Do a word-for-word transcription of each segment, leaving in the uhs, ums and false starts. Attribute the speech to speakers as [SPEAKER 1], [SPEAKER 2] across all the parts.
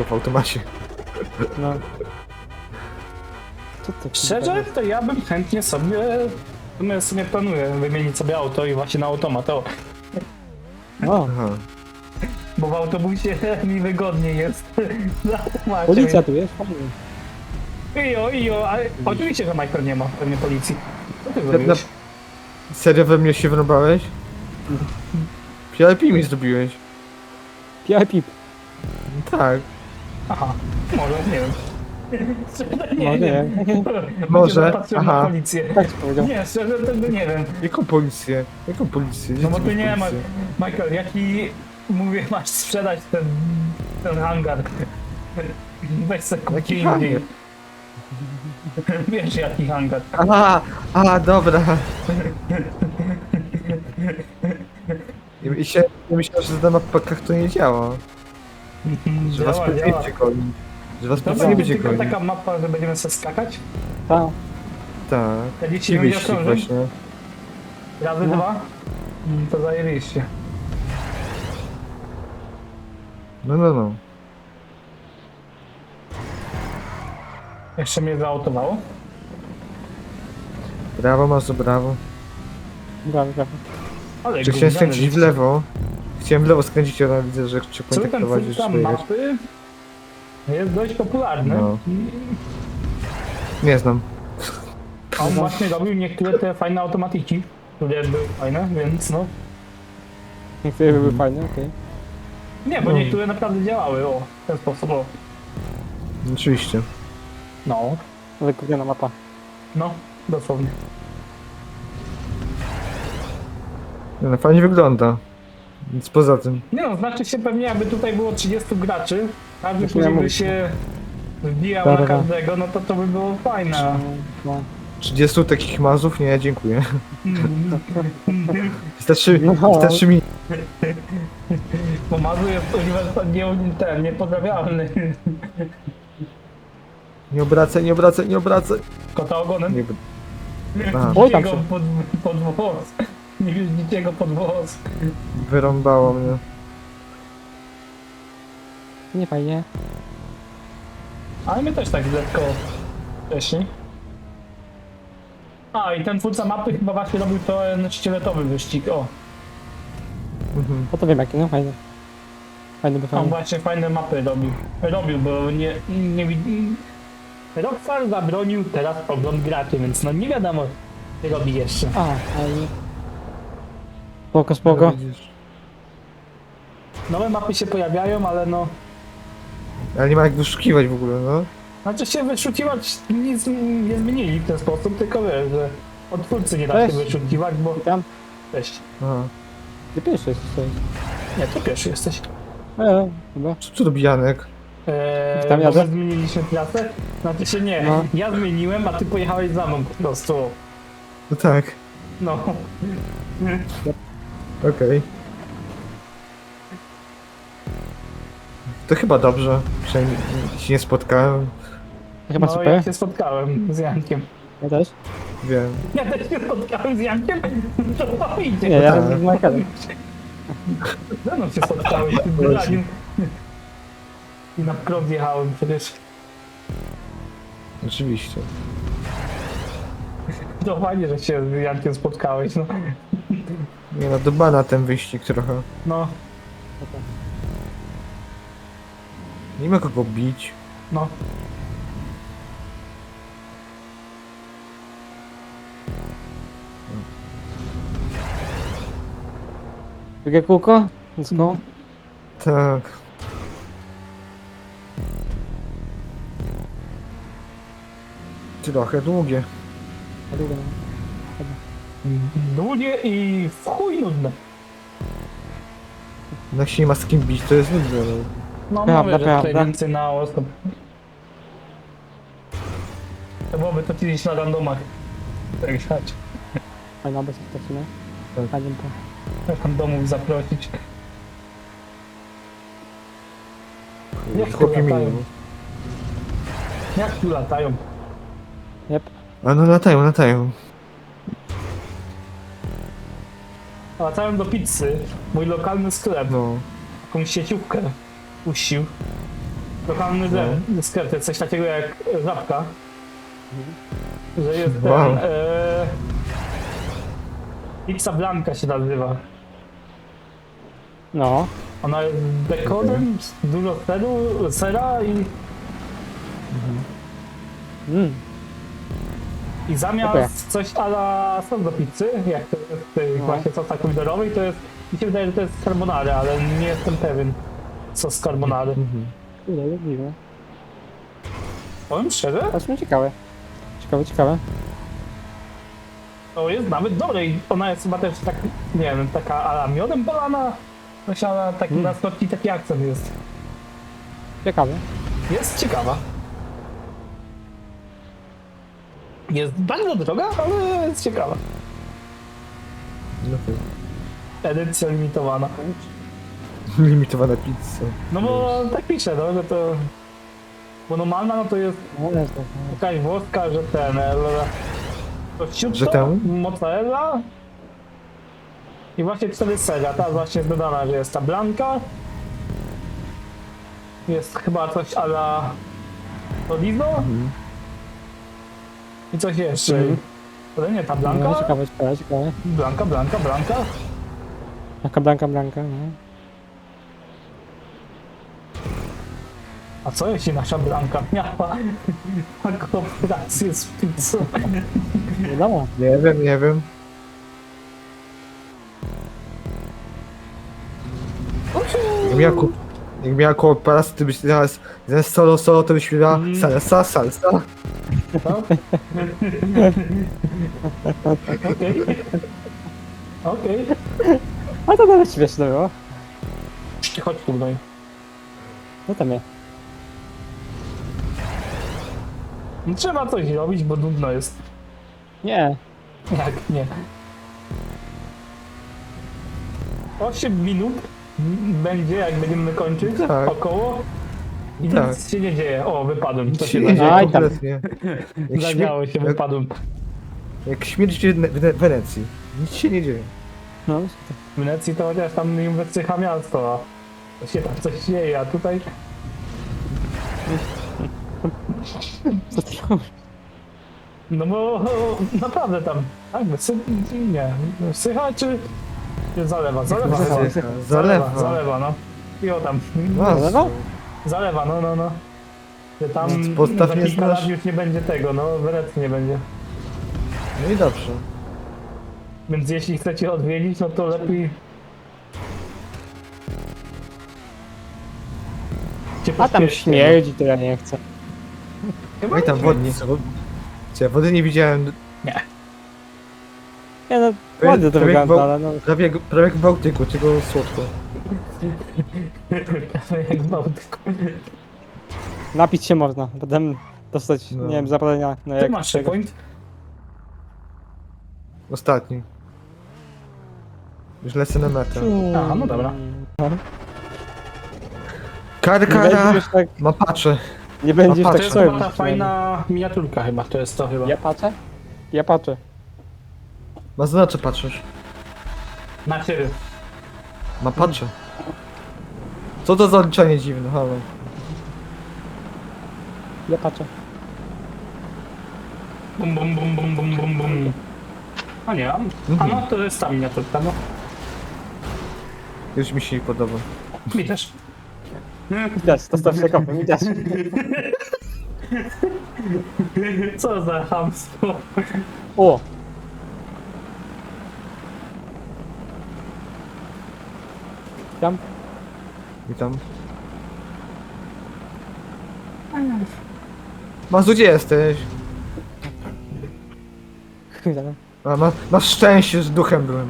[SPEAKER 1] wszystko w automacie.
[SPEAKER 2] No. Co ty?
[SPEAKER 3] Szczerze, to ja bym chętnie sobie, w sumie planuję wymienić sobie auto i właśnie na automat, o.
[SPEAKER 2] O,
[SPEAKER 1] Aha.
[SPEAKER 3] Bo w autobusie mi wygodniej jest. Na automacie.
[SPEAKER 2] policja tu jest, fajnie.
[SPEAKER 3] Ijo, ijo, ale oczywiście, że Michael nie ma pewnie policji. Co ty
[SPEAKER 1] Na,
[SPEAKER 3] zrobiłeś?
[SPEAKER 1] serio we mnie się wrąbałeś? P I P mi zrobiłeś.
[SPEAKER 2] P I P.
[SPEAKER 1] Tak.
[SPEAKER 3] Aha, może, nie wiem.
[SPEAKER 2] Może nie.
[SPEAKER 1] Może,
[SPEAKER 3] Patrzyłem na
[SPEAKER 1] aha.
[SPEAKER 3] policję.
[SPEAKER 2] Tak ci powiedział.
[SPEAKER 3] Nie, szczerze, tego nie wiem.
[SPEAKER 1] Jaką policję? Jaką policję?
[SPEAKER 3] No bo
[SPEAKER 1] Gdzie
[SPEAKER 3] ty nie masz,
[SPEAKER 1] policję?
[SPEAKER 3] Michael, jaki, mówię, masz sprzedać ten, ten hangar. Weź se kup
[SPEAKER 1] Jaki
[SPEAKER 3] indziej.
[SPEAKER 1] hangar?
[SPEAKER 3] Wiesz jaki hangar.
[SPEAKER 1] Aha, a dobra. I się, ja myślałem, że na mapkach to nie działa. Że was
[SPEAKER 3] Działa,
[SPEAKER 1] policja
[SPEAKER 3] działa.
[SPEAKER 1] będzie gonić. Że was
[SPEAKER 3] To
[SPEAKER 1] policja nie
[SPEAKER 3] będzie
[SPEAKER 1] będzie
[SPEAKER 3] tylko
[SPEAKER 1] gonić.
[SPEAKER 3] taka mapa, że będziemy sobie skakać.
[SPEAKER 2] Tak.
[SPEAKER 1] Tak.
[SPEAKER 3] Ja dzieci
[SPEAKER 1] I
[SPEAKER 3] nie będzie
[SPEAKER 1] wyścig
[SPEAKER 3] krążyć.
[SPEAKER 1] właśnie.
[SPEAKER 3] Razy
[SPEAKER 2] No.
[SPEAKER 3] dwa. Mm, To zajebiście.
[SPEAKER 1] No, no, no.
[SPEAKER 3] Jeszcze mnie zaautowało.
[SPEAKER 1] Brawo, Mazu, brawo.
[SPEAKER 2] Brawo, brawo.
[SPEAKER 3] Ale
[SPEAKER 1] Czy chciałem
[SPEAKER 3] gówniany
[SPEAKER 1] skręcić w
[SPEAKER 3] wyścig.
[SPEAKER 1] lewo? Chciałem w lewo skręcić, ale widzę, że cię
[SPEAKER 3] Cały
[SPEAKER 1] tak
[SPEAKER 3] ten
[SPEAKER 1] prowadzisz.
[SPEAKER 3] twórca
[SPEAKER 1] że jechać.
[SPEAKER 3] mapy jest dość popularny.
[SPEAKER 1] No. Nie znam.
[SPEAKER 3] A on właśnie robił niektóre te fajne automatiki, które były fajne, więc no.
[SPEAKER 2] Niektóre były fajne, okej.
[SPEAKER 3] Nie, bo
[SPEAKER 1] No.
[SPEAKER 3] niektóre naprawdę działały, o, w ten sposób, o.
[SPEAKER 1] Oczywiście.
[SPEAKER 3] No,
[SPEAKER 2] Ale gówniana mapa.
[SPEAKER 3] no, dosłownie.
[SPEAKER 1] Nie, no, fajnie wygląda. Nic poza tym.
[SPEAKER 3] Nie no, znaczy się pewnie jakby tutaj było trzydziestu graczy, każdy
[SPEAKER 2] Znaczy,
[SPEAKER 3] później
[SPEAKER 2] ja
[SPEAKER 3] by
[SPEAKER 2] mówię.
[SPEAKER 3] się wbijał
[SPEAKER 2] Da,
[SPEAKER 3] na
[SPEAKER 2] da, da.
[SPEAKER 3] każdego, no to to by było fajne.
[SPEAKER 2] No.
[SPEAKER 1] trzydziestu takich mazów? Nie, dziękuję. Wystarczy,
[SPEAKER 2] No.
[SPEAKER 1] wystarczy mi...
[SPEAKER 3] Bo Mazu jest uniwersytet nie, ten, niepodrabialny.
[SPEAKER 1] Nie obracaj, nie obracaj, nie obracaj.
[SPEAKER 3] Kota ogonem.
[SPEAKER 1] Nie... Aha,
[SPEAKER 2] Oj, tam
[SPEAKER 3] Go
[SPEAKER 2] się.
[SPEAKER 3] pod, pod włos. Nie wjeździcie go pod włos.
[SPEAKER 1] wyrąbało mnie.
[SPEAKER 2] Nie fajnie.
[SPEAKER 3] Ale my też tak lekko wcześniej. A i ten twórca mapy chyba właśnie robił ten szkieletowy wyścig, o.
[SPEAKER 1] Mhm.
[SPEAKER 2] O to wiem jaki, no fajne. Fajny by
[SPEAKER 3] On
[SPEAKER 2] fajny.
[SPEAKER 3] właśnie fajne mapy robił. Robił, bo nie, nie widzi... Rockstar zabronił teraz ogląd graczy, więc no nie wiadomo, co robi jeszcze.
[SPEAKER 2] A, fajnie. Spoko, spoko.
[SPEAKER 1] Widzisz.
[SPEAKER 3] Nowe mapy się pojawiają, ale no...
[SPEAKER 1] Ale nie ma jak wyszukiwać w ogóle, no.
[SPEAKER 3] Znaczy się wyszukiwać nic nie zmienili w ten sposób, tylko wiesz, że od twórcy nie da się
[SPEAKER 2] Cześć.
[SPEAKER 3] wyszukiwać, bo...
[SPEAKER 2] Tam,
[SPEAKER 3] Cześć.
[SPEAKER 1] Aha.
[SPEAKER 2] ty pierwszy jesteś.
[SPEAKER 3] Nie, ty pierwszy jesteś.
[SPEAKER 2] E, chyba.
[SPEAKER 1] Co tu robi Janek?
[SPEAKER 3] Eee,
[SPEAKER 2] Tam
[SPEAKER 3] bo
[SPEAKER 2] jadę?
[SPEAKER 3] my zmieniliśmy trasę? Znaczy się nie,
[SPEAKER 2] No.
[SPEAKER 3] ja zmieniłem, a ty pojechałeś za mną po prostu.
[SPEAKER 1] No tak.
[SPEAKER 3] No.
[SPEAKER 1] Okej. To chyba dobrze. Przynajmniej się nie spotkałem.
[SPEAKER 2] Chyba
[SPEAKER 3] No,
[SPEAKER 2] super.
[SPEAKER 3] ja się spotkałem z Jankiem.
[SPEAKER 2] Ja też.
[SPEAKER 1] Wiem.
[SPEAKER 3] Ja też się spotkałem z Jankiem? To idzie.
[SPEAKER 2] Nie, ja
[SPEAKER 1] tak.
[SPEAKER 2] z Michaelem.
[SPEAKER 3] Ze mną się spotkałeś w tym wybraniu. I na prąd jechałem przecież.
[SPEAKER 1] Oczywiście.
[SPEAKER 3] To fajnie, że się z Jankiem spotkałeś, no.
[SPEAKER 1] Nie no, do bana ten wyścig trochę.
[SPEAKER 3] No,
[SPEAKER 1] Nie ma kogo bić.
[SPEAKER 3] no.
[SPEAKER 2] Drugie kółko? Let's go.
[SPEAKER 1] Tak. Trochę długie.
[SPEAKER 2] A drugie, no.
[SPEAKER 3] Długie i w chuj nudne.
[SPEAKER 1] Jak się nie ma z kim bić, to jest nudne. no.
[SPEAKER 3] No
[SPEAKER 2] Prawda,
[SPEAKER 3] mówię, że tutaj
[SPEAKER 2] prawda.
[SPEAKER 3] więcej na osób. To byłoby to kiedyś na randomach. Tak jechać.
[SPEAKER 2] Fajna bez stacji, no.
[SPEAKER 1] Tak.
[SPEAKER 2] Fajnie to.
[SPEAKER 3] Randomów zaprosić. Jak tu
[SPEAKER 1] Chłopie
[SPEAKER 3] latają?
[SPEAKER 1] minimum.
[SPEAKER 3] Jak tu latają?
[SPEAKER 2] Jep.
[SPEAKER 1] A no latają, latają.
[SPEAKER 3] Latają do pizzy. Mój lokalny sklep.
[SPEAKER 1] No.
[SPEAKER 3] Jakąś sieciówkę puścił. lokalny no. sklep, to jest coś takiego jak Żabka. Że jest
[SPEAKER 1] Wow.
[SPEAKER 3] ten... E, Pizza Blanca się nazywa.
[SPEAKER 2] No.
[SPEAKER 3] Ona jest z dekorem, z dużo seru, sera i,
[SPEAKER 2] Mm.
[SPEAKER 3] i zamiast
[SPEAKER 2] Okej.
[SPEAKER 3] coś a la sos do pizzy, jak to jest w tej
[SPEAKER 2] No.
[SPEAKER 3] właśnie sosach pomidorowych, to jest, mi się wydaje, że to jest carbonara, ale nie jestem pewien. Sos carbonary.
[SPEAKER 2] Kurde, jak dziwne.
[SPEAKER 3] Powiem szczerze,
[SPEAKER 2] To jest ciekawe. Ciekawe, ciekawe.
[SPEAKER 3] to jest nawet dobre i ona jest chyba też tak, nie wiem, taka a la miodem polana. Coś ale taki
[SPEAKER 2] Mm.
[SPEAKER 3] na słodki taki akcent jest.
[SPEAKER 2] Ciekawe.
[SPEAKER 3] Jest ciekawa. Jest bardzo droga, ale jest ciekawa.
[SPEAKER 1] No to
[SPEAKER 3] Edycja limitowana.
[SPEAKER 1] limitowana pizza.
[SPEAKER 3] No bo tak pisze, no, że to... Bo normalna no to jest
[SPEAKER 2] No, jest to.
[SPEAKER 3] jakaś włoska, że ten... e, To
[SPEAKER 1] Że
[SPEAKER 3] ciutko,
[SPEAKER 1] ten?
[SPEAKER 3] mozzarella i właśnie cztery seria. Ta właśnie jest dodana, że jest ta blanka. Jest chyba coś a la Olivo i coś jeszcze.
[SPEAKER 2] Mhm.
[SPEAKER 3] Ale nie, ta
[SPEAKER 2] No,
[SPEAKER 3] blanka?
[SPEAKER 2] ciekawe, ciekawe, ciekawe.
[SPEAKER 3] Blanka, blanka, blanka.
[SPEAKER 2] Blanka, blanka, blanka, no.
[SPEAKER 3] A co jeśli nasza blanka miała kooperację z pizzą?
[SPEAKER 2] Nie wiadomo.
[SPEAKER 1] Nie wiem, nie wiem. Jak miała, ko- jak miała kooperację, to byś teraz zamiast solo solo, to byś miała
[SPEAKER 3] Mm.
[SPEAKER 1] salsa, salsa.
[SPEAKER 3] No? Okej. Okej.
[SPEAKER 2] A to nawet śmieszne było.
[SPEAKER 3] Chodź tu, no i.
[SPEAKER 2] No tam jest.
[SPEAKER 3] No trzeba coś robić, bo nudno jest.
[SPEAKER 2] Nie.
[SPEAKER 3] Jak nie. osiem minut m- będzie, jak będziemy kończyć,
[SPEAKER 1] Tak.
[SPEAKER 3] około. I
[SPEAKER 1] Tak.
[SPEAKER 3] nic się nie dzieje. O, wypadłem. To
[SPEAKER 1] Nic
[SPEAKER 3] się
[SPEAKER 1] się nie dzieje
[SPEAKER 2] Aj, tam.
[SPEAKER 1] kompletnie. Jak,
[SPEAKER 3] zadziało
[SPEAKER 1] śmier-
[SPEAKER 3] się,
[SPEAKER 1] jak,
[SPEAKER 3] wypadłem.
[SPEAKER 1] jak śmierć w Wene- Wenecji. Nic się nie dzieje.
[SPEAKER 2] No.
[SPEAKER 3] W Wenecji to chociaż tam im wysycha miasto, a to się tam coś dzieje, a tutaj...
[SPEAKER 2] Co ty robisz?
[SPEAKER 3] No bo naprawdę tam, tak, wysy... nie, wysycha czy... czy zalewa? Zalewa,
[SPEAKER 2] Wysycha.
[SPEAKER 3] zalewa,
[SPEAKER 1] Zalewa.
[SPEAKER 3] zalewa, zalewa, no. I o tam,
[SPEAKER 2] Zalewa?
[SPEAKER 3] zalewa, no, no, no. Że tam
[SPEAKER 1] No, podstaw
[SPEAKER 3] za
[SPEAKER 1] nie
[SPEAKER 3] kilka
[SPEAKER 1] znasz.
[SPEAKER 3] lat już nie będzie tego, no, w Wenecji nie będzie.
[SPEAKER 1] No i dobrze.
[SPEAKER 3] Więc jeśli chcecie odwiedzić, no to lepiej... Cię
[SPEAKER 2] A tam
[SPEAKER 3] pośpieszcie,
[SPEAKER 2] śmierdzi, to ja nie chcę.
[SPEAKER 3] no. Chyba
[SPEAKER 1] No i tam
[SPEAKER 3] nie
[SPEAKER 1] wodnik.
[SPEAKER 3] wiem.
[SPEAKER 1] Wo- Cie, wody nie widziałem.
[SPEAKER 3] Nie.
[SPEAKER 2] Nie no,
[SPEAKER 1] To
[SPEAKER 2] ładnie
[SPEAKER 1] jest-
[SPEAKER 2] to
[SPEAKER 1] to jak
[SPEAKER 2] wygląda,
[SPEAKER 1] bał-
[SPEAKER 2] ale no.
[SPEAKER 1] Prawie, jak- prawie jak w Bałtyku, tylko słodko.
[SPEAKER 3] Jak w Bałtyku.
[SPEAKER 2] Napić się można, potem dostać,
[SPEAKER 1] No.
[SPEAKER 2] nie wiem, zapalenia. No
[SPEAKER 3] Ty
[SPEAKER 2] jak
[SPEAKER 3] masz
[SPEAKER 2] tego.
[SPEAKER 3] checkpoint?
[SPEAKER 1] Ostatni. Już lecę na metę.
[SPEAKER 3] Aha, no dobra.
[SPEAKER 1] Kara,
[SPEAKER 2] Nie
[SPEAKER 1] kara!
[SPEAKER 2] będziesz tak,
[SPEAKER 1] Ma patrzę.
[SPEAKER 2] nie będziesz
[SPEAKER 1] No
[SPEAKER 3] To
[SPEAKER 2] tak
[SPEAKER 3] jest
[SPEAKER 2] sobie.
[SPEAKER 3] chyba ta fajna miniaturka chyba, to jest to chyba.
[SPEAKER 2] Ja patrzę? Ja patrzę.
[SPEAKER 1] Ma znaczy patrzysz.
[SPEAKER 3] Znaczy,
[SPEAKER 1] Ma patrzę. Co to za odliczanie dziwne, halo.
[SPEAKER 2] Ja patrzę.
[SPEAKER 3] bum bum bum bum bum bum bum. A nie, a a no to jest ta miniaturka, no.
[SPEAKER 1] Już mi się nie podoba.
[SPEAKER 3] Mi też.
[SPEAKER 2] Widać, to staw się kopę, widać.
[SPEAKER 3] Co za chamstwo.
[SPEAKER 2] O! Tam?
[SPEAKER 1] Witam. Mazu, gdzie jesteś?
[SPEAKER 2] Witam.
[SPEAKER 1] A, ma, masz szczęście, że duchem byłem.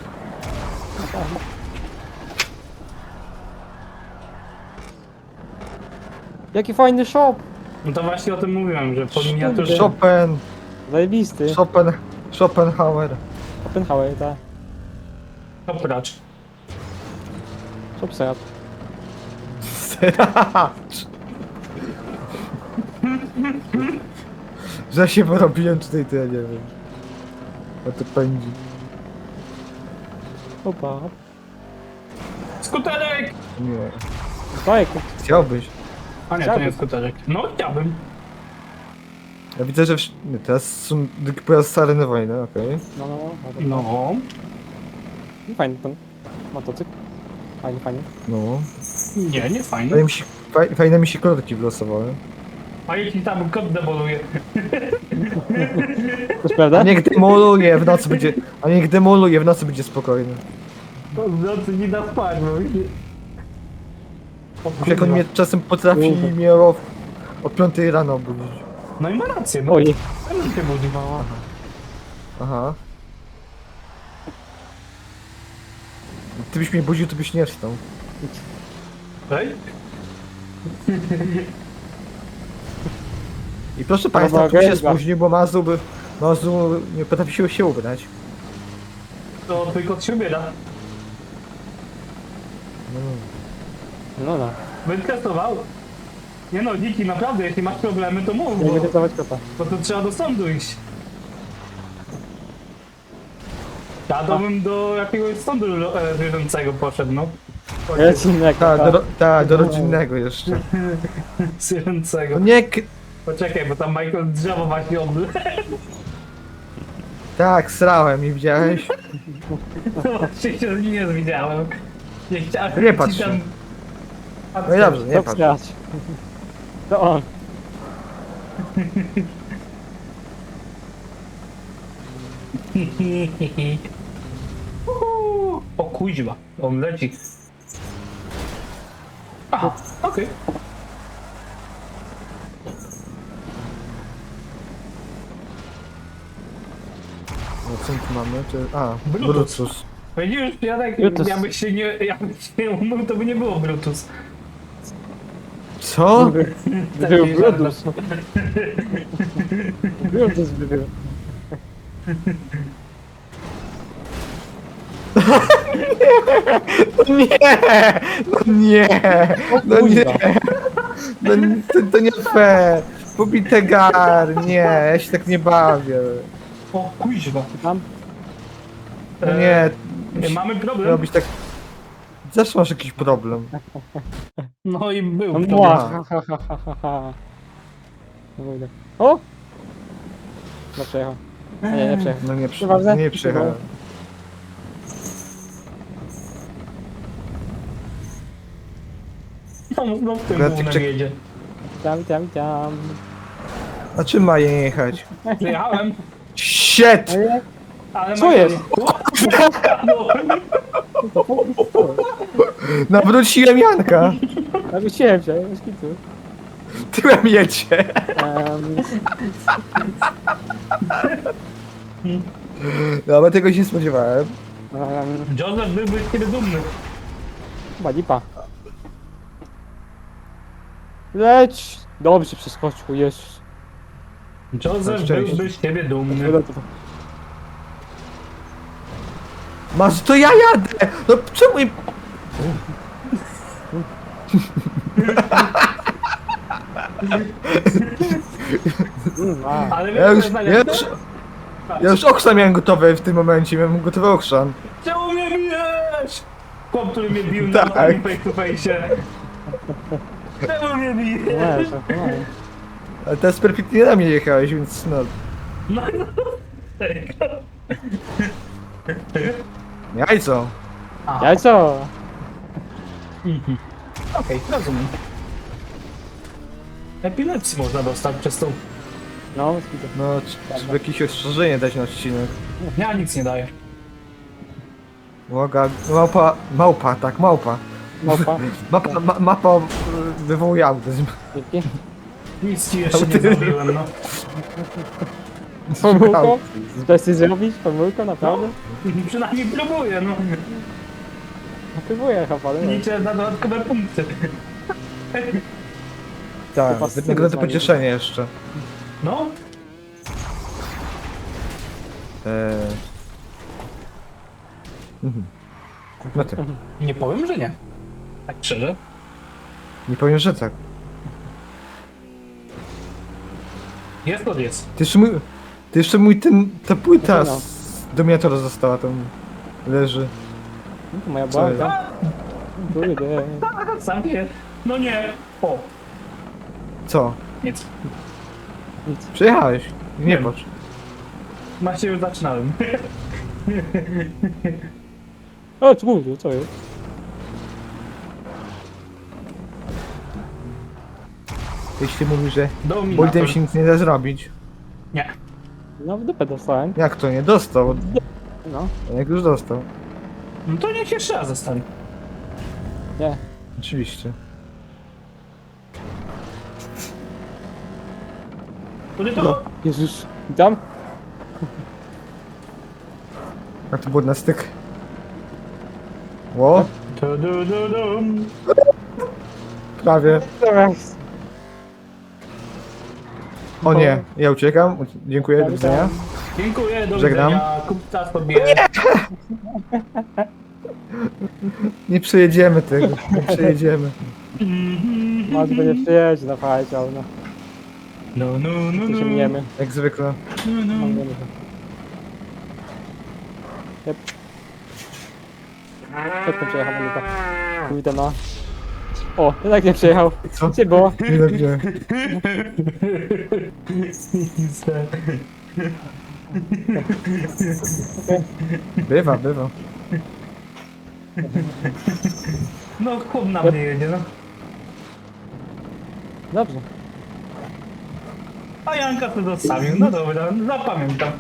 [SPEAKER 2] Jaki fajny shop!
[SPEAKER 3] No to właśnie o tym mówiłem, że po miniaturze...
[SPEAKER 1] Chopin,
[SPEAKER 2] Zajebisty.
[SPEAKER 1] Chopin, Schopenhauer.
[SPEAKER 2] Oppenhauer, tak.
[SPEAKER 3] Opracz.
[SPEAKER 2] Shop serat.
[SPEAKER 1] Seracz. Że się porobiłem tutaj, to ja nie wiem. A to pędzi.
[SPEAKER 2] Opa.
[SPEAKER 3] Skuterek!
[SPEAKER 1] Nie.
[SPEAKER 2] Bajek.
[SPEAKER 1] Chciałbyś.
[SPEAKER 3] A nie, to nie jest skuterek. No chciałbym.
[SPEAKER 1] Ja widzę, że wsz- nie, teraz są drugi pojazd z areny wojny, okej.
[SPEAKER 2] No, no, no. no.
[SPEAKER 3] No.
[SPEAKER 2] no. Fajny ten motocykl. Fajnie, fajnie.
[SPEAKER 1] No.
[SPEAKER 3] Nie, nie fajnie.
[SPEAKER 1] Fajne mi się, faj, fajne mi się kolorki wylosowały.
[SPEAKER 3] A jeśli tam kot deboluje?
[SPEAKER 2] To jest prawda?
[SPEAKER 1] A niech demoluje, w nocy będzie... A niech demoluje, w nocy będzie spokojny.
[SPEAKER 3] To w nocy nie da spać, bo... O,
[SPEAKER 1] Jak on
[SPEAKER 3] kurwa.
[SPEAKER 1] mnie czasem potrafi
[SPEAKER 2] Kurwa.
[SPEAKER 1] mnie o, o piątej rano obudzić.
[SPEAKER 3] No i ma rację, no.
[SPEAKER 2] Oj,
[SPEAKER 3] Sam się budzi.
[SPEAKER 1] Aha. Ty byś mnie budził, to byś nie wstał.
[SPEAKER 3] Ej?
[SPEAKER 1] I proszę państwa, tu się
[SPEAKER 2] Propagandą.
[SPEAKER 1] spóźnił, bo Mazu by... Mazu nie potrafi się, się ubrać.
[SPEAKER 3] To twój kot się ubiera.
[SPEAKER 2] no no.
[SPEAKER 3] Będę testował. Nie no, Dziki, naprawdę, jeśli masz problemy, to mów,
[SPEAKER 2] Nie
[SPEAKER 3] bo,
[SPEAKER 2] będę dawać kota.
[SPEAKER 3] bo to trzeba do sądu iść. Ja to bym do jakiegoś sądu e, zwierzęcego poszedł, no.
[SPEAKER 2] Jest innego.
[SPEAKER 1] Tak, do, ta, do rodzinnego jeszcze.
[SPEAKER 3] Zwierzęcego.
[SPEAKER 1] No nie... k-
[SPEAKER 3] Poczekaj, bo tam Michael drzewo właśnie obl...
[SPEAKER 1] Tak, srałem i widziałeś?
[SPEAKER 3] No właśnie się nie widziałem. Nie chciałem
[SPEAKER 1] Nie
[SPEAKER 3] ci
[SPEAKER 1] patrz
[SPEAKER 3] tam...
[SPEAKER 1] się. No i dobrze, nie
[SPEAKER 2] To
[SPEAKER 1] patrz.
[SPEAKER 2] wsiadź. To on.
[SPEAKER 3] Uhu. O kuźwa, on leci. Aha, okej.
[SPEAKER 1] No co my tu mamy? Czy... A,
[SPEAKER 3] Bluetooth.
[SPEAKER 1] Bluetooth.
[SPEAKER 3] Widzisz, Janek,
[SPEAKER 2] Bluetooth.
[SPEAKER 3] jakbyś się nie, jakbyś nie umył, to by nie było Bluetooth.
[SPEAKER 1] Co?
[SPEAKER 2] Był Bluetooth. Bluetooth by był.
[SPEAKER 1] Nie! No nie! No nie! No, nie- to, to nie fair! Pobite gar! Nie, ja się tak nie bawię.
[SPEAKER 3] O kuźwa.
[SPEAKER 2] Tam?
[SPEAKER 1] No nie,
[SPEAKER 3] E, mamy problem.
[SPEAKER 1] robić tak... Zawsze masz jakiś problem.
[SPEAKER 3] No i był
[SPEAKER 2] No
[SPEAKER 3] problem.
[SPEAKER 2] mła. Ha, ha, ha, ha, ha, ha. No pójdę. O! No przejechał. A nie, nie przejechał.
[SPEAKER 1] No nie, przy...
[SPEAKER 2] Nieważne.
[SPEAKER 1] nie przyjechałem.
[SPEAKER 3] No, no w tym
[SPEAKER 1] Akurat
[SPEAKER 3] głównym
[SPEAKER 1] czek-
[SPEAKER 3] jedzie.
[SPEAKER 2] Tam, tam, tam.
[SPEAKER 1] A czym ma je jechać?
[SPEAKER 3] Przyjechałem,
[SPEAKER 1] Shit!
[SPEAKER 2] Ej,
[SPEAKER 3] ale...
[SPEAKER 2] Co
[SPEAKER 3] Michael-
[SPEAKER 2] jest?
[SPEAKER 3] No,
[SPEAKER 2] to po- to-
[SPEAKER 1] Nawróciłem Janka!
[SPEAKER 2] Nawróciłem się, bez kitu.
[SPEAKER 1] Tyłem jedzie!
[SPEAKER 2] Um,
[SPEAKER 1] No, ale tego się nie spodziewałem.
[SPEAKER 2] um,
[SPEAKER 3] Joseph byłby z ciebie dumny.
[SPEAKER 2] chyba lipa. Leć! Dobrze przeskoczył, Jezus.
[SPEAKER 3] Joseph
[SPEAKER 1] szczęście.
[SPEAKER 3] byłby z ciebie dumny.
[SPEAKER 1] Masz, to ja jadę! No czemu im...
[SPEAKER 2] Mm, a.
[SPEAKER 3] Ale
[SPEAKER 1] Ja już,
[SPEAKER 3] wiesz, co
[SPEAKER 1] ja
[SPEAKER 3] jest
[SPEAKER 1] już,
[SPEAKER 3] najlepsze?
[SPEAKER 1] ja już okrzan miałem gotowy w tym momencie, miałem gotowy okrzan.
[SPEAKER 3] Czemu mnie bijesz? Chłop, który mnie bił
[SPEAKER 1] Tak.
[SPEAKER 3] na face to face. Czemu mnie bijesz?
[SPEAKER 2] Nie, to no.
[SPEAKER 1] Ale teraz perfekcyjnie na mnie jechałeś, więc no...
[SPEAKER 3] No, no.
[SPEAKER 1] Jajco!
[SPEAKER 3] A,
[SPEAKER 2] Jajco!
[SPEAKER 3] mhm. Okej, rozumiem. Epilepsji można dostać przez tą...
[SPEAKER 2] No, bez kitu.
[SPEAKER 1] No, tr- trzeba jakieś ostrzeżenie dać na odcinek.
[SPEAKER 3] Ja nic nie daję.
[SPEAKER 1] Łoga, małpa, małpa, tak, małpa.
[SPEAKER 2] Małpa.
[SPEAKER 1] Mapa, ma, mapa y, wywołuje autyzm.
[SPEAKER 2] Dzięki.
[SPEAKER 3] Nic ci jeszcze nie
[SPEAKER 1] Autyzm.
[SPEAKER 3] zrobiłem, no.
[SPEAKER 2] Pomyłką? Chcesz coś zrobić? Pomyłką, naprawdę?
[SPEAKER 3] Przynajmniej próbuję, no.
[SPEAKER 2] Próbuję chyba, ale nie.
[SPEAKER 3] Liczę na dodatkowe punkty.
[SPEAKER 1] Tak,
[SPEAKER 2] Chyba
[SPEAKER 1] wynagrodzę
[SPEAKER 2] styl
[SPEAKER 1] pocieszenie jeszcze.
[SPEAKER 3] No,
[SPEAKER 1] Eee. Mhm. No ty,
[SPEAKER 3] nie powiem, że nie. Tak szczerze.
[SPEAKER 1] nie powiem, że tak.
[SPEAKER 3] Jest to jest.
[SPEAKER 1] Ty jeszcze mój, ty jeszcze mój ten, ta płyta
[SPEAKER 2] No.
[SPEAKER 1] z Dominatora została tam, leży.
[SPEAKER 2] No to moja
[SPEAKER 1] Co jest?
[SPEAKER 2] błęda. Kurde.
[SPEAKER 3] Sam wie. No nie. O.
[SPEAKER 1] Co?
[SPEAKER 3] Nic.
[SPEAKER 2] Nic.
[SPEAKER 1] Przyjechałeś. Nie
[SPEAKER 3] Wiem.
[SPEAKER 1] patrz.
[SPEAKER 3] Właśnie już zaczynałem.
[SPEAKER 2] O, co mówię, co jest?
[SPEAKER 1] Jeśli mówisz, że
[SPEAKER 3] Dominator.
[SPEAKER 1] bolidem się nic nie da zrobić.
[SPEAKER 3] Nie.
[SPEAKER 2] No w dupę dostałem.
[SPEAKER 1] Jak to nie? Dostał.
[SPEAKER 2] No,
[SPEAKER 1] Jak już dostał.
[SPEAKER 3] No to niech jeszcze raz zostanie.
[SPEAKER 2] nie.
[SPEAKER 1] Oczywiście.
[SPEAKER 3] Który to?
[SPEAKER 2] No, Jezus. Tam?
[SPEAKER 1] A to było na styk. Ło,
[SPEAKER 3] Tu, du, du, dum.
[SPEAKER 1] prawie.
[SPEAKER 2] Teraz.
[SPEAKER 1] O nie, ja uciekam. Dziękuję, do widzenia.
[SPEAKER 3] Dziękuję, do
[SPEAKER 1] Żegnam.
[SPEAKER 3] widzenia. Kupca sobie.
[SPEAKER 1] Nie przejedziemy tego, nie przejedziemy.
[SPEAKER 2] Masz by nie przyjeździ na fajcie, ale no.
[SPEAKER 3] No, no, no,
[SPEAKER 2] Tu się
[SPEAKER 3] no.
[SPEAKER 2] mniemy.
[SPEAKER 1] Jak zwykle.
[SPEAKER 3] No,
[SPEAKER 2] No,
[SPEAKER 3] no.
[SPEAKER 2] mniemy się. Jep. Przedtem przejechał, będę tak. Pójdę na... O, jednak nie przejechał.
[SPEAKER 1] Co?
[SPEAKER 2] Gdzie było?
[SPEAKER 1] Nie dobrze. Bywa, bywa.
[SPEAKER 3] No, chłop na mnie jedzie, no.
[SPEAKER 2] Dobrze.
[SPEAKER 3] A Janka to zostawił. No dobra, zapamiętam.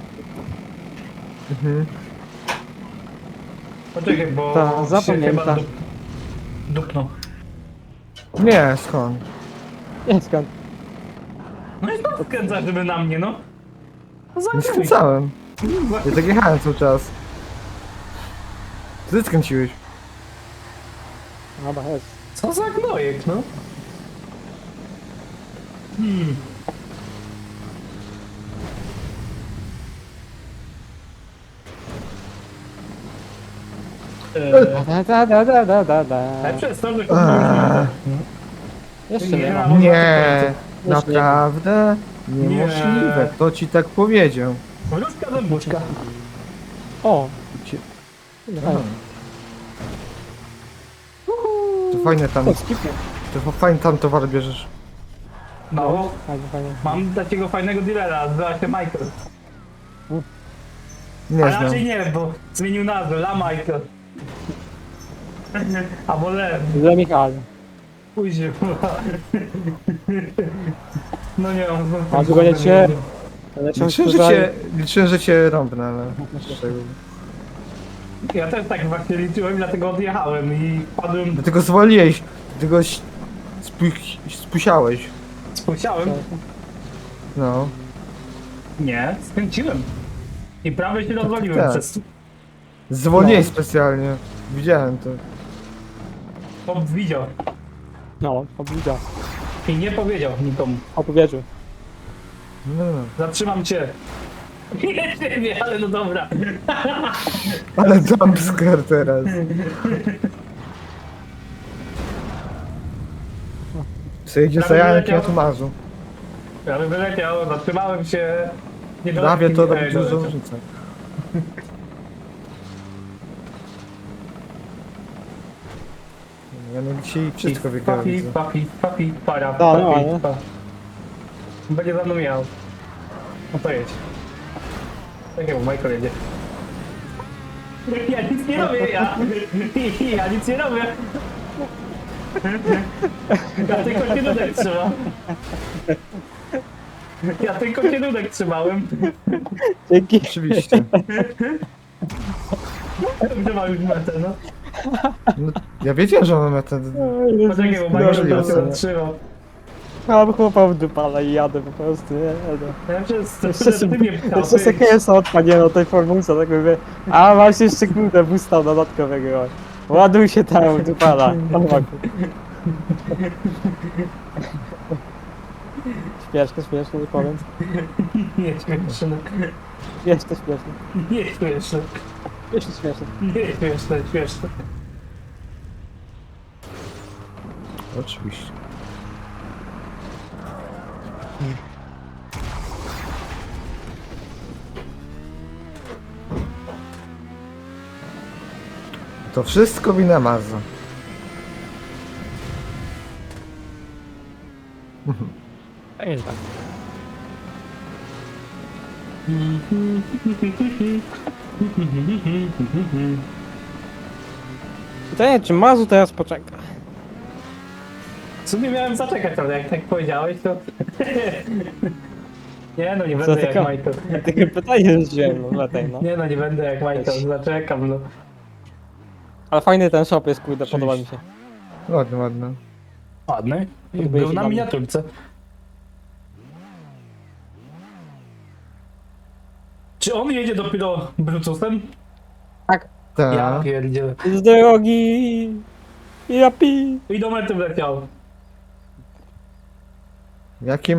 [SPEAKER 1] Mhm.
[SPEAKER 3] Poczekaj, bo
[SPEAKER 2] Ta,
[SPEAKER 3] się
[SPEAKER 2] zapamięta.
[SPEAKER 3] chyba dup... dupnął.
[SPEAKER 1] Nie, skąd?
[SPEAKER 2] Nie, skąd?
[SPEAKER 3] No i to skręca, żeby na mnie, no. No
[SPEAKER 1] Nie
[SPEAKER 3] zagraj.
[SPEAKER 1] skręcałem. Ja tak jechałem cały czas. Ty skręciłeś.
[SPEAKER 2] Dobra, jest.
[SPEAKER 3] Co za gnojek, no. Hmm. Eee,
[SPEAKER 2] Da, da, da, da, da, da, da.
[SPEAKER 3] ale przez to, że
[SPEAKER 1] Eee.
[SPEAKER 3] komuś
[SPEAKER 2] Jeszcze
[SPEAKER 3] Nie
[SPEAKER 2] nie
[SPEAKER 3] ma.
[SPEAKER 2] mam.
[SPEAKER 1] Nie, naprawdę niemożliwe. Kto ci tak powiedział?
[SPEAKER 3] Wróżka zębuszka.
[SPEAKER 2] O!
[SPEAKER 1] Ci-
[SPEAKER 2] Fajnie.
[SPEAKER 1] To fajne tam,
[SPEAKER 2] O, skipnie.
[SPEAKER 1] to fajnie tam towar bierzesz.
[SPEAKER 3] No,
[SPEAKER 2] Fajnie, fajnie.
[SPEAKER 3] mam takiego fajnego dealera, nazywa się Michael.
[SPEAKER 1] Nie
[SPEAKER 3] A
[SPEAKER 1] znam.
[SPEAKER 3] raczej nie, bo zmienił nazwę, La Michael. Albo Le,
[SPEAKER 2] Dla Michała.
[SPEAKER 3] później. No nie, on...
[SPEAKER 2] A tu będziecie... Lecią
[SPEAKER 1] Liczyłem, że cię, liczyłem, że cię rąbnę, ale...
[SPEAKER 3] Ja też tak właśnie liczyłem, dlatego odjechałem i padłem,
[SPEAKER 1] Dlatego zwoliłeś, dlatego ś- spu- spusiałeś.
[SPEAKER 3] spłysiałem.
[SPEAKER 1] No.
[SPEAKER 3] Nie, skręciłem. I prawie się rozwaliłem
[SPEAKER 1] tak.
[SPEAKER 3] przez...
[SPEAKER 1] Zwolniłeś
[SPEAKER 2] No.
[SPEAKER 1] specjalnie. Widziałem to.
[SPEAKER 3] Chłop widział
[SPEAKER 2] No, opowiedział.
[SPEAKER 3] i nie powiedział nikomu.
[SPEAKER 2] Opowiedział.
[SPEAKER 1] No.
[SPEAKER 3] Zatrzymam cię. Nie ciebie, ale no dobra.
[SPEAKER 1] Ale jumpscare teraz. Przejdzie za Jankiem, ja tu marzu.
[SPEAKER 3] Ja bym wyleciał, zatrzymałem się. Nie
[SPEAKER 1] Prawie to
[SPEAKER 3] doleciał,
[SPEAKER 1] robi
[SPEAKER 3] nie
[SPEAKER 1] dużą
[SPEAKER 3] doleciał.
[SPEAKER 1] różnicę. Ja no dzisiaj wszystko wygrałem.
[SPEAKER 3] Papi,
[SPEAKER 1] widzę.
[SPEAKER 3] papi, papi, para,
[SPEAKER 2] Da,
[SPEAKER 3] papi,
[SPEAKER 2] no, nie?
[SPEAKER 3] pa. Będzie za mną miał. No to jedź. Tak jak Michael jedzie. Ja nic nie robię, ja. Ja nic nie robię. Ja tylko kierunek trzymam. Ja tylko kierunek trzymałem.
[SPEAKER 2] Dzięki.
[SPEAKER 1] Oczywiście.
[SPEAKER 3] Gdzie ma już metę, no.
[SPEAKER 1] No, ja wiedziałem, że mamy ten...
[SPEAKER 3] Poczekaj, bo Michael
[SPEAKER 1] Możliwe,
[SPEAKER 3] to się
[SPEAKER 1] co?
[SPEAKER 3] zatrzymał.
[SPEAKER 2] Mam chłopa w dupala i jadę po prostu, nie? nie.
[SPEAKER 3] Ja przez to,
[SPEAKER 2] Jeszcze
[SPEAKER 3] że
[SPEAKER 2] sobie,
[SPEAKER 3] ty mnie
[SPEAKER 2] jeszcze
[SPEAKER 3] pchałeś.
[SPEAKER 2] sobie K S odpadnie na tej formułce, tak mówię. A masz jeszcze kurde boosta dodatkowego. Ładuj się tam, dupala. Śmieszne, śmieszne, nie powiem.
[SPEAKER 3] Nie śmieszne,
[SPEAKER 2] Śmieszne, śmieszne.
[SPEAKER 3] nie śmieszne,
[SPEAKER 2] Śmieszne, śmieszne.
[SPEAKER 3] nie śmieszne, śmieszne.
[SPEAKER 1] Oczywiście. To wszystko wina Marza.
[SPEAKER 2] Tak jest tak. Pytanie, czy Mazu teraz poczeka?
[SPEAKER 3] W sumie miałem zaczekać, ale jak tak powiedziałeś, to... Nie no, nie
[SPEAKER 2] Co
[SPEAKER 3] będę jak
[SPEAKER 2] taka-
[SPEAKER 3] Michael.
[SPEAKER 2] Takie pytanie rzuciłem, no dlatego, no.
[SPEAKER 3] Nie no, nie będę jak Michael, zaczekam, no.
[SPEAKER 2] Ale fajny ten shop jest, kurde, podoba mi się.
[SPEAKER 1] Ładny, ładny.
[SPEAKER 3] Ładny.
[SPEAKER 2] Podoba
[SPEAKER 3] Był
[SPEAKER 2] się
[SPEAKER 3] na
[SPEAKER 2] dla mnie.
[SPEAKER 3] miniaturce. Czy on jedzie dopiero Brutusem?
[SPEAKER 2] Tak.
[SPEAKER 3] Ja
[SPEAKER 1] Tak.
[SPEAKER 3] pierdzielę.
[SPEAKER 2] Z drogi! Japi!
[SPEAKER 3] I do mety wleciał.
[SPEAKER 1] Jakie